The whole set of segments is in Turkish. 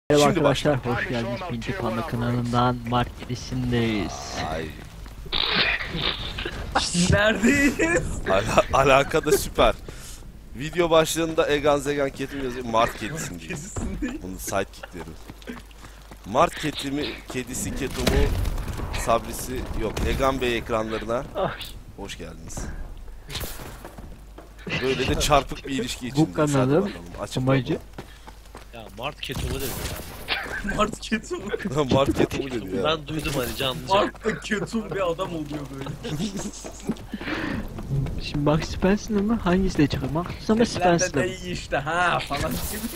Merhaba Şimdi arkadaşlar, hoş geldiniz. Pinti Panda kanalından Mart 7'sindeyiz. Ay, Neredeyiz? alaka da süper. Video başlığında Egan Zegan Ketim yazıyor. Mart kedisindeyiz. Bunun sidekickleri. Mart kedisi Ketum'u, Sabrisi yok. Egan Bey ekranlarına hoş geldiniz. Böyle de çarpık bir ilişki içindeyiz. Bu kanalın amacı Ya Mart Ketum'u dedi ya. Mart Ketum. Mart Ketum'u dedi ya. Ben duydum hani canlı. Mart'ta Ketum bir adam oluyor böyle. şimdi Max Spencer mı? Hangisi de çıkıyor? Max ama Sesler Spencer. de iyi işte ha falan gibi.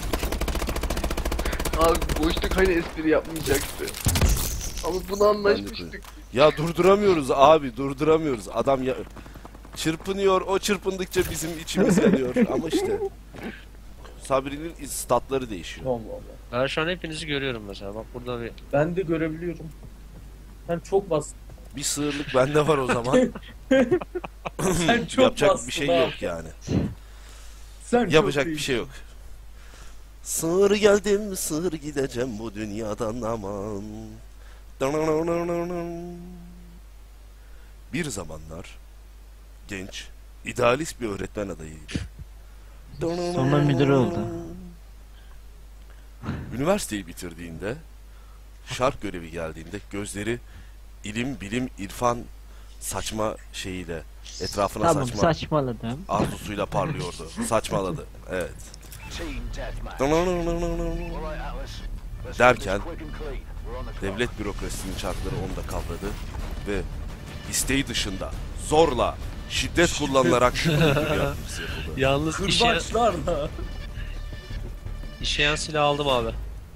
Abi boşluk hani espri yapmayacaktı. Ama bunu anlaşmıştık. Ya durduramıyoruz abi, durduramıyoruz. Adam ya çırpınıyor, o çırpındıkça bizim içimiz yanıyor. Ama işte Sabri'nin statları değişiyor. Allah Allah. Ben şu an hepinizi görüyorum mesela. Bak burada bir Ben de görebiliyorum. Sen çok bastın. Bir sığırlık bende var o zaman. Sen çok Yapacak bastın bir şey abi. yok yani. Sen çok Yapacak bir iyisin. şey yok. Sığır geldim, sığır gideceğim bu dünyadan aman. Bir zamanlar genç, idealist bir öğretmen adayıydı. Sonra müdür oldu. Üniversiteyi bitirdiğinde, şark görevi geldiğinde gözleri ilim, bilim, irfan saçma şeyiyle etrafına Tamam, saçma saçmaladım. arzusuyla parlıyordu. Saçmaladı. Evet. Derken devlet bürokrasisinin çarkları onu da kavradı ve isteği dışında zorla şiddet kullanılarak müdür yardımcısı yapıldı. yalnız Kırbaçlarla. işeyen silah aldım abi.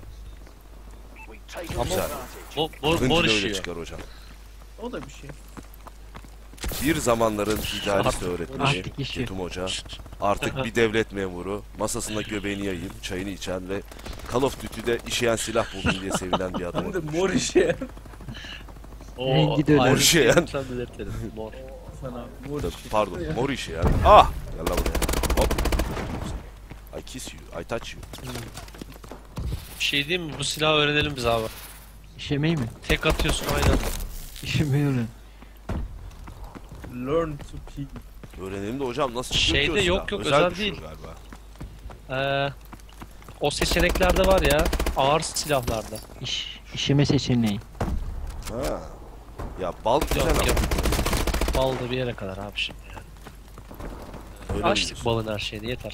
Güzel. Mor Hınç da öyle işiyor. çıkar hocam. O da bir şey. Bir zamanların idealist öğretmeni Artık işi. Ketum Hoca artık bir devlet memuru, masasında göbeğini yayıp çayını içen ve Call of Duty'de işeyen silah buldum diye sevinen bir adam Hem de olmuş. mor işe. Rengi de öyle. Mor işeyen. Sen belirtelim. Mor. Sana mor Tabii, işe. pardon, mor işeyen. Ah! Gel lan buraya. Hop. I kiss you, I touch you. Bir şey diyeyim mi? Bu silahı öğrenelim biz abi. İşemeyi mi? Tek atıyorsun aynen. İşemeyi öğren. Learn to pee. Öğrenelim de hocam nasıl çıkıyor Şeyde ki o silah? yok, özel bir şey değil. galiba. O seçeneklerde var ya. Ağır silahlarda. İşeme seçeneği. Ha. Ya bal güzel Yok ama. yok. Bal da bir yere kadar abi şimdi yani. Öyle mi Açtık diyorsun? balın her şeyini yeter.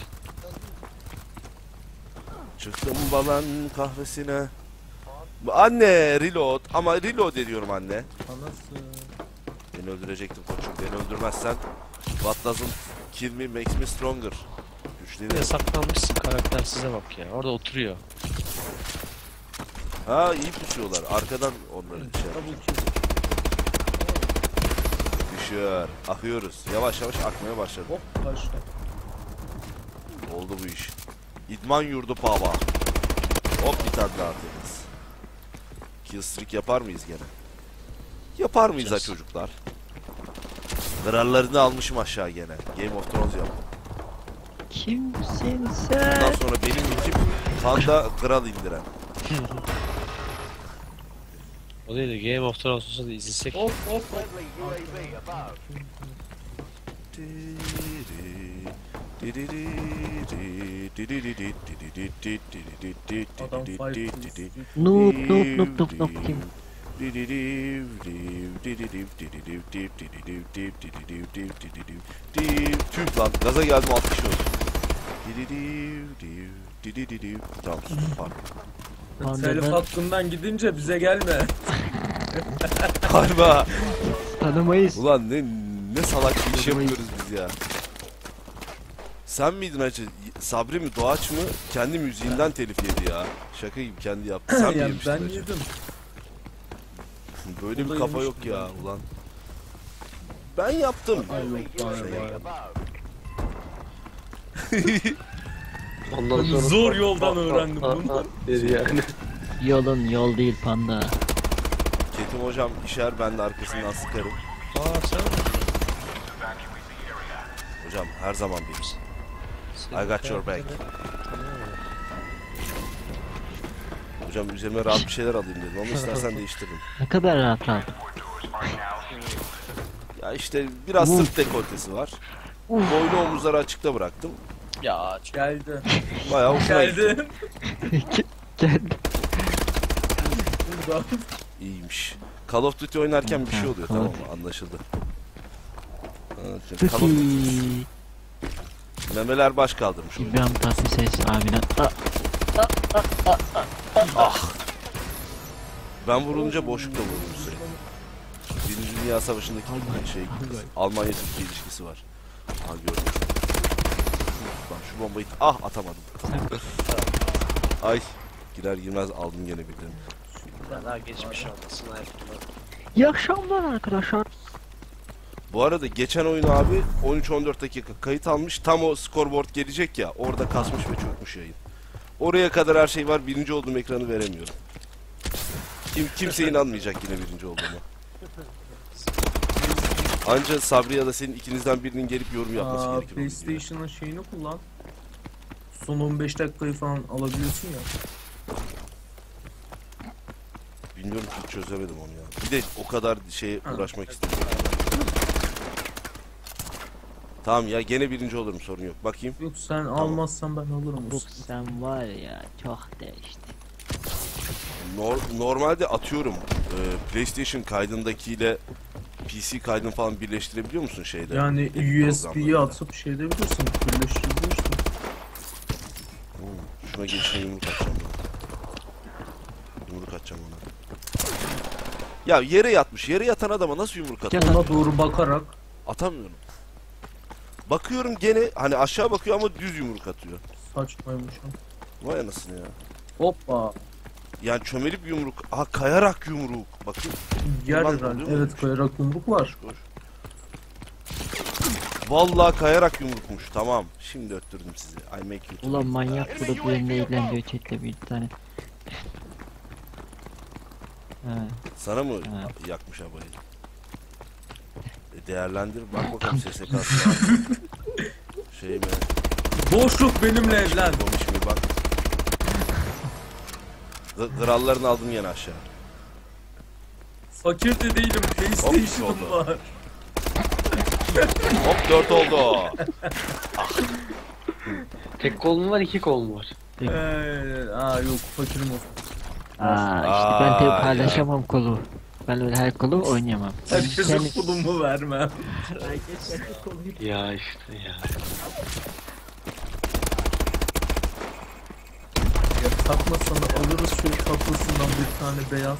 Çıktım balan kahvesine. Anne reload ama reload ediyorum anne. Anası. Beni öldürecektin koçum. Beni öldürmezsen what doesn't kill me makes me stronger. Güçlenirim. Yasaklanmışsın karakter size bak ya. Orada oturuyor. Ha iyi pusuyorlar. Arkadan onları şey Tabii ki. düşüyor. Akıyoruz. Yavaş yavaş akmaya başladı. Hop başla. Oldu bu iş. İdman yurdu pava. Hop bir tane daha atıyoruz. Killstreak yapar mıyız gene? Yapar mıyız ha Yapacağız. çocuklar? Krallarını almışım aşağı gene. Game of Thrones yaptım. Kimsin Bundan sen? sonra benim ekip Kanda kral indiren. O değil de Game of Thrones olsa da izlesek. Hop hop hop. Adam fight. Noob noob noob noob noob kim? Tüh lan gaza geldim 60 oldu. Tamam pardon. Telif Pandadan hakkından gidince bize gelme. Harba. tanımayız. Ulan ne salak bir iş yapıyoruz biz ya. Sen miydin acı? Sabri mi Doğaç mı? Kendi müziğinden telif yedi ya. Şaka gibi kendi yaptı. Sen mi Yani yemiştin ben acı? yedim. Böyle O bir da kafa yok yemiştim ya ulan. Ben yaptım. Ay yok bana bana. Ondan sonra Zor yoldan öğrendim bunu. dedi yani. Yolun yol değil panda. Ketum hocam işer ben de arkasından sıkarım. Aa sen Hocam her zaman benim. I got your back. Hocam üzerime rahat bir şeyler alayım dedim ama istersen değiştiririm. Ne kadar rahat rahat. Ya işte biraz sırt dekoltesi var. Boynu omuzları açıkta bıraktım. Ya Geldi. Bayağı hoşuna gitti. Geldi. Geldi. Burada. İyiymiş. Call of Duty oynarken bir şey oluyor, Call tamam of- mı? Anlaşıldı. Evet, Call of Tuti. Duty. Memeler baş kaldırmış oyunu. İbrahim Tatlıses abiden. Ben vurulunca boşlukla vurdum sürekli. Birinci Dünya Savaşı'ndaki şey, Almanya-Türkiye ilişkisi var. Aha gördüm. Lan şu bombayı atamadım. Ay, girer girmez aldım gene birden. daha geçmiş olmasın hayatımda. İyi akşamlar arkadaşlar. Bu arada geçen oyunu abi 13-14 dakika kayıt almış. Tam o scoreboard gelecek ya, orada kasmış ve çökmüş yayın. Oraya kadar her şey var. Birinci olduğum ekranı veremiyorum. Kimse inanmayacak yine birinci olduğuma. Anca Sabri ya da senin ikinizden birinin gelip yorum yapması gerekir. o videoya. PlayStation'ın şeyini kullan. Son 15 dakikayı falan alabiliyorsun ya. Bilmiyorum ki, hiç çözemedim onu ya. Bir de o kadar şeye uğraşmak istemiyorum. Tamam ya, gene birinci olurum, sorun yok. Bakayım. Yok sen almazsan ben alırım. Bu sen var ya çok değişti. Normalde atıyorum PlayStation kaydındakiyle PC kaydını falan birleştirebiliyor musun şeyde? Yani USB'yi Programlarda. atıp şey edebilirsin. Birleştirebilirsin. Şuna geçine yumruk atacağım ben. Yumruk atacağım ona. Ya yere yatmış. Yere yatan adama nasıl yumruk atar? Ona doğru bakarak. Atamıyorum. Bakıyorum gene hani aşağı bakıyor ama düz yumruk atıyor. Saçmaymış o. Vay anasını ya. Hoppa. Yani çömelip yumruk. Aha, kayarak yumruk. Bakın. Yer Ulan herhalde. oluyor mu? Evet kayarak yumruk var. Koş. Vallahi kayarak yumrukmuş. Tamam. Şimdi öttürdüm sizi. I make you. Ulan manyak bu da benimle eğleniyor chatle bir tane. Ha, Sana mı Ha. yakmış abayı? Değerlendir. Bak bakalım SSK'sı. Şey mi? Boşluk benimle evlen. Konuş mu bak. Krallarını aldım yine aşağı. Fakir de değilim. PlayStation'ım oldu. var. Hop 4 oldu. Tek kol mu var, iki kol mu var? Yok fakirim o. işte ben tabi Aa, paylaşamam kolu. Ben öyle her kolu oynayamam. Herkese kulumu vermem. Ya işte ya. Ya takmasana alırız şu tatlısından bir tane beyaz.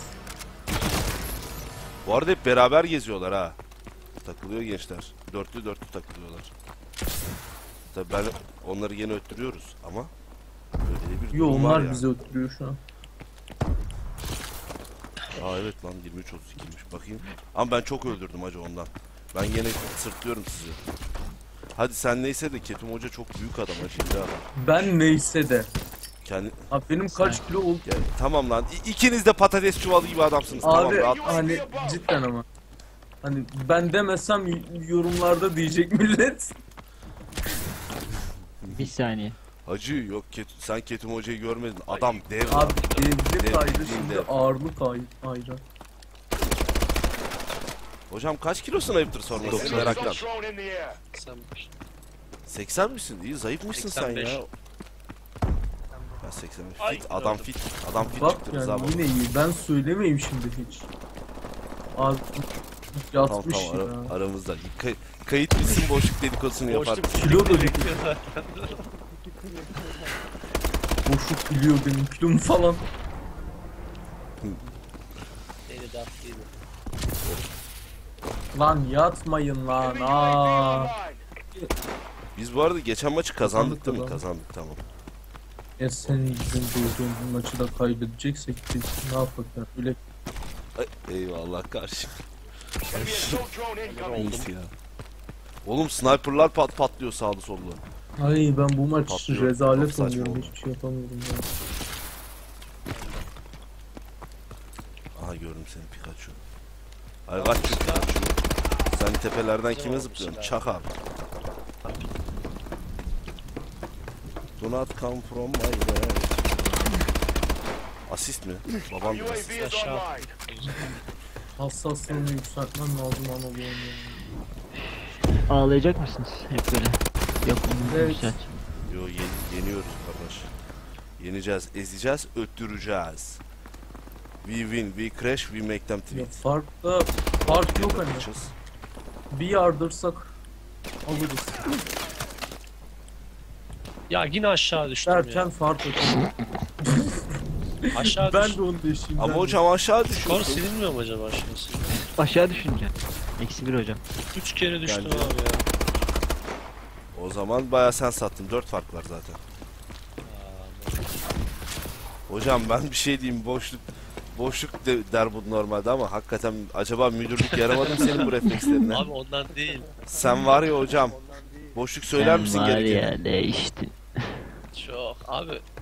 Bu arada hep beraber geziyorlar ha. Takılıyor gençler. Dörtlü takılıyorlar. Tabii ben onları yine öttürüyoruz ama öyle bir Yo durum var onlar ya. bizi ötürüyor şu an. Aa evet lan 23-32'ymiş bakayım. Ama ben çok öldürdüm hacı ondan. Ben yine sırtlıyorum sizi. Hadi sen neyse de Ketum Hoca çok büyük adam hacı. Bir daha. Ben neyse de. Kendi... Abi benim kaç kilo oldu? Ya, tamam lan. İkiniz de patates çuvalı gibi adamsınız. Tamam Abi rahat. hani cidden ama. Hani ben demesem yorumlarda diyecek millet. Bir saniye. Hacı yok sen Ketum Hoca'yı görmedin. Adam dev lan. Abi devlet Dev, ayrı bildiğin şimdi dev. ağırlık ayrı. Hocam kaç kilosun ayıptır sorması merakla. Sen 80 misin? İyi zayıfmışsın sen 85. ya. Ben 85. Fit adam fit. Adam fit Bak çıktı Rıza yani baba. yine iyi. Ben söylemeyeyim şimdi hiç. Abi Tamam yatmış tamam ya. aramızda. Kayıt bitsin boşluk dedikodusunu yapar. Kilo da bir boşluk biliyor benim kilomu falan. Deli daf değil. Lan yatmayın lan. Biz bu arada geçen maçı kazandık değil mi? Kazandık. Kazandık tamam. Ya senin yüzün doğduğun maçı da kaybedeceksek biz ne yapak ya? Öyle Eyvallah karşı. İyisi ya. Oğlum sniperlar patlıyor sağda solda. ay ben bu maç Patlıyor. rezalet Çok saçma oynuyorum. oldu. Hiçbir şey yapamıyorum ya. Aha gördüm seni Pikachu. Ay kaç şu Pikachu. Sen tepelerden kime zıplıyorsun? Çakal. Do not come from my way. Asist mi? Babam da asist. Aşağı. Hassaslığını yükseltmem lazım Anadolu'nun. Ağlayacak mısınız hep böyle? Yok onu Evet. yükselt. Yo yeniyoruz kardeş. Yeneceğiz, ezeceğiz, öttüreceğiz. We win, we crash, we make them Ya tweet. fark yok hani. Yapacağız. Bir yardırsak alırız. Ya yine aşağı düştüm Derken fark atıyor. ya. Aşağı Ben düştüm. de onu deşeyim. Ama hocam aşağı Skor düşüyorsun. silinmiyor mu acaba aşağısı? Aşağı düşünce. -1 hocam. 3 kere düştüm Bence- abi ya. O zaman bayağı sen sattın. 4 fark var zaten. Hocam ben bir şey diyeyim, boşluk der bu normalde ama hakikaten acaba müdürlük yaramadı mı senin bu reflekslerine? Abi ondan değil. Sen var ya hocam, boşluk söyler Sen misin var gerekeni? ya değiştin. Çok. Abi